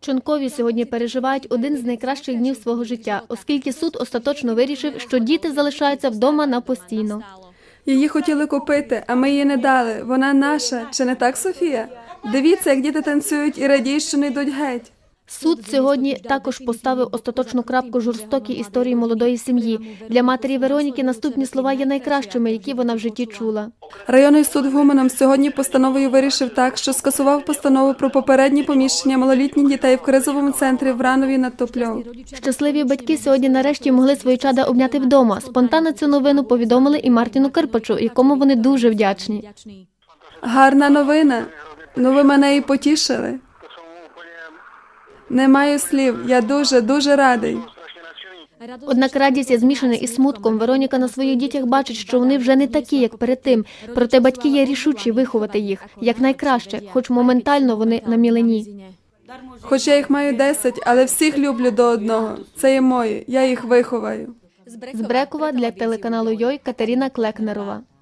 Чонкові сьогодні переживають один з найкращих днів свого життя, оскільки суд остаточно вирішив, що діти залишаються вдома на постійно. Її хотіли купити, а ми її не дали. Вона наша. Чи не так, Софія? Дивіться, як діти танцюють і радіють, що не йдуть геть. Суд сьогодні також поставив остаточну крапку жорстокій історії молодої сім'ї. Для матері Вероніки наступні слова є найкращими, які вона в житті чула. Районний суд в Гуменом сьогодні постановою вирішив так, що скасував постанову про попереднє поміщення малолітніх дітей в кризовому центрі в Ранові над Топльов. Щасливі батьки сьогодні нарешті могли свої чада обняти вдома. Спонтанно цю новину повідомили і Мартіну Кирпачу, якому вони дуже вдячні. Гарна новина. Ну ви мене і потішили. Не маю слів. Я дуже радий. Однак радість є змішана із смутком. Вероніка на своїх дітях бачить, що вони вже не такі, як перед тим. Проте батьки є рішучі виховати їх якнайкраще, хоч моментально вони на мілені. Хоч я їх маю 10, але всіх люблю до одного. Це є мої. Я їх виховаю. З Брекова для телеканалу Йой Катерина Клекнерова.